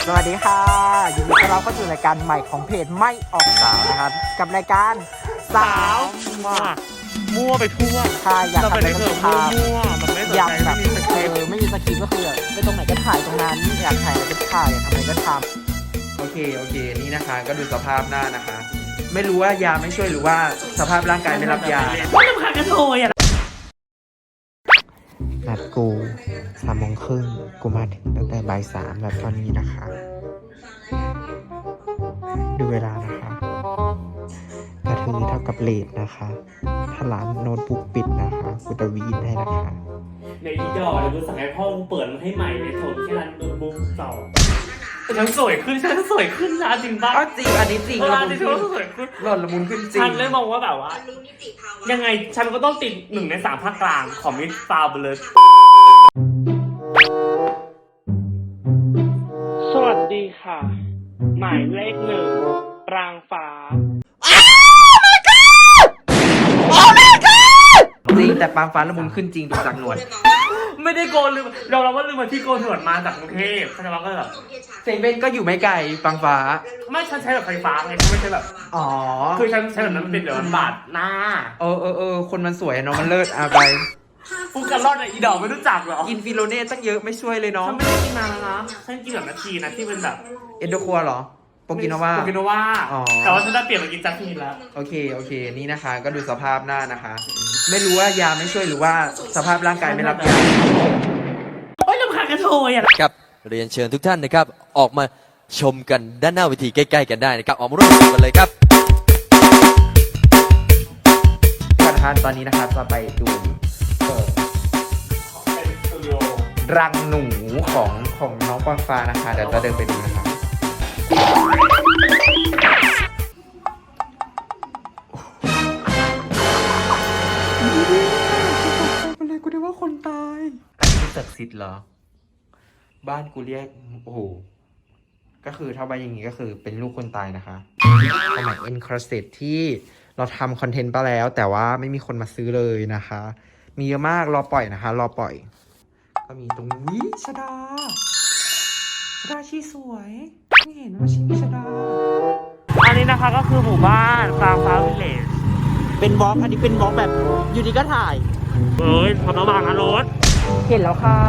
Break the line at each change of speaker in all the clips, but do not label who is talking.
สวัสดีค่ะยินดีต้อนรับเข้าสู่รายการใหม่ของเพจไม่ออกสาวนะครับกับรายการสาว
มั่วไปทั่ว
ใช่อยากทำอะไรก็ทำ
มั่วมันไม่สนใจไม่มีสคริปต์
ไม่มีสคริปต์ก็คือไปตรงไหนก็ถ่ายตรงนั้นอยากถ่ายอะไรก็ถ่ายอยากทำอะไรก็ทำ
โอเคนี่นะคะก็ดูสภาพหน้านะคะไม่รู้ว่ายาไม่ช่วยหรือว่าสภาพร่างกายไม่รับยา
ไม่ต้องพากระโถยอ่ะ
นัดกู3:30กูมาถึงตั้งแต่บ่าย 3แบบตอนนี้นะคะดูเวลานะคะกระทือเท่ากับเลทนะคะถ้าร้านโน้ตบุ๊กปิดนะคะกูจะวีนให้นะคะ
ในอีดอเดี๋ยวกูสั่งให้พ่อกูเปิดมันให้ใหม่ในโถแค่นั้นโน้ตบุ๊กเก่าฉันสวยขึ้นนะจริงป่ะ
จริงอันนี้จริง
ละมุนขึ้นสวยขึ้น
หล่อนละมุนขึ้นจริง
ฉันเลยมองว่าแบบว่ายังไงฉันก็ต้องติด1 ใน 3ภาคกลางของมิสฟาวไปเลยสวัสดีค่ะหมายเลข1ปรางฟ้า
จริงแต่ปางฟ้าละมุนขึ้นจริงดูจากหนวด
ไม่ได้โกนลืมเราว่าลืมมาที่โกนหนวดมาจากกรุงเทพเขาจะว่าก็แบบ
เซเว่นก็อยู่ไม่ไกลปางฟ้า
ไม่ฉันใช้แบบไฟฟ้าไงไม่ใช่แบบคือฉันใช้แบบนั้นมันเป็นเดี๋ยวมันบาดหน้า
คนมันสวยเนาะมันเลิศไป
ฟูกันรอดอีดอกไม่รู้จักหรอ
กินฟิโลเน่ตั้งเยอะไม่ช่วยเลยเนาะ
ฉันไม่ได้กินนานแล้วนะฉันกินแบบนาทีนะที่เป็นแบบ
เอ็นโดคัวหรอโปกิโนวา
แต่ว่าฉันได้เปลี่ยนมากินจัสมินแล้ว
โอเคนี่นะคะก็ดูสภาพหน้านะคะไม่รู้ว่ายาไม่ช่วยหรือว่าสภาพร่างกายไม่รับยา
โอ๊ยลำคาญกระโถยอ่ะ
ครับเรียนเชิญทุกท่านนะครับออกมาชมกันด้านหน้าเวทีใกล้ๆกันได้นะครับออกมาร่วมกันเลยครับ
ท่านตอนนี้นะครับจะไปดูรังหนูของน้องปางฟ้านะคะเดี๋ยวจะเดินไปดูนะคะกูได้ว่าคนตายอันนี้ศักดิ์สิทธิ์เหรอบ้านกูเรียกโอ้โหก็คือถ้าใบอย่างนี้ก็คือเป็นลูกคนตายนะคะสมัยเอ็นครเซตที่เราทำคอนเทนต์ไปแล้วแต่ว่าไม่มีคนมาซื้อเลยนะคะมีเยอะมากรอปล่อยนะคะรอปล่อยก็มีตรงนี้ชดาชีสวยไม่เห็นว่าชีมีชดา
อันนี้นะคะก็คือหมู่บ้านฟาร์มฟ้าวิลเลจ
เป็นบล็อกอันนี้เป็นบล็อกแบบอยู่ดีก็ถ่าย
พอระวังนะรถ
เห็นแล้วค่ะ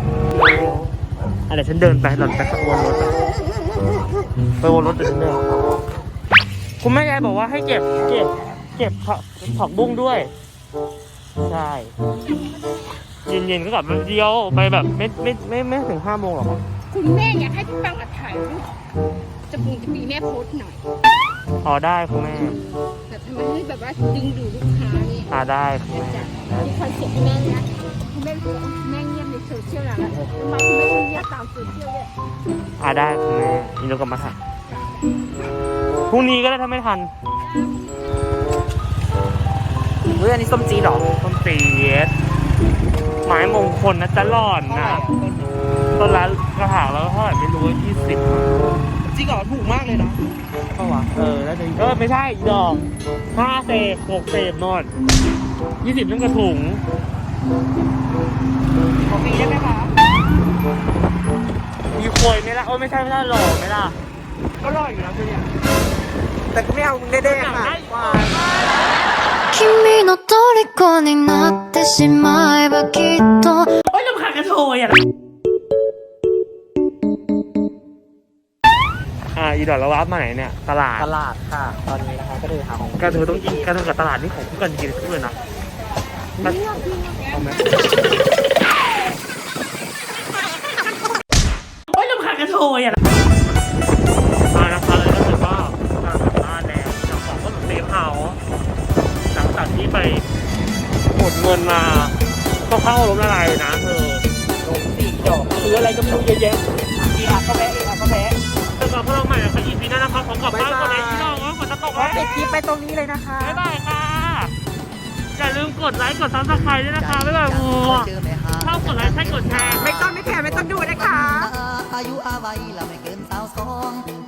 อะไรฉันเดินไปหล่อนไปวนรถไปวนรถแต่ฉันเดินคุณแม่ยายบอกว่าให้เก็บผักบุ้งด้วยใช่เย็นๆก็กลับมาเดียวไปแบบไม่ถึง5 โมงหรอก
คุณแม่อยากให้พี่ปังถ่ายรูปจะมีแม่โพสหน่อย
ได้คุณแม่
แบบทำให้แบบว่าดึงดูดลูกค้านี่
ได้คุณแม่
มีคอนเซ็ปต์ให้แม่นะคุณแม่รู้สึกแม่เงียบในโซเชียลแล้วทำไมคุณแม่ไม่เงียบตามโซเชียลเลย
ได้คุณแม่อีโนกลับมาถ่ายพรุ่งนี้ก็ได้ถ้าไม่ทัน
อันนี้ส้มจีดหรอ
ส้มจีดหมายมงคลนะจะหล่อนนะต้นละกระถางแล้วเท่าไหร่ไม่รู้20
จริงเหรอถูกมากเลยนะ
เท่าไหร่แล้วไม่ใช่ดอก5 เศษ 6 เศษนอน20นั่นกระถุง
ของปีได้ไหมคะ
มีควยไหมล่ะไม่ใช่หล่อไหมล่ะ
ก็หล่ออยู่นะคือเนี่ยแต่ก็ไม่เอาเด้ๆค่ะ
君の虜になってしまえばきっと
ลำคาญกระโถยอ่ะอีดอกแล้ววับมาไหนเนี่ยตลาด
ค่ะตอนนี้นะคะก็เลยหาของ
กระเทยต้องกินกระเทยกับตลาดนี่ของคู่กันกินคู่เลยนะเอาไหมลำคาญกระโถยอ่ะนะคะเลยก็คือว่ามาถึงบ้านแล้วจากของก็ถึงเซฟเฮาส์หลังจากที่ไปหมดเงินมาก็เข้าล้มละลายนะ
ลง4 ดอก
ซื้ออะไรก็ไม่รู้เยอะแยะ
ก็แพ้
แต่ก่อนพวกเราใหม่นะคะอีพีหน้านะคะของกลับบ้านก่อนเลยพี่น้องฝนจะตกแล้ว
ปิดคลิปไปตรงนี้เลยนะคะ
บ๊ายบายค่ะอย่าลืมกดไลค์กดซับสไครต์ด้วยนะคะบ๊ายบายชอบกดไลค์ใช่กดแชร์
ไม่ต้องดูนะคะ
อายุอาวัยเราไม่เกิน22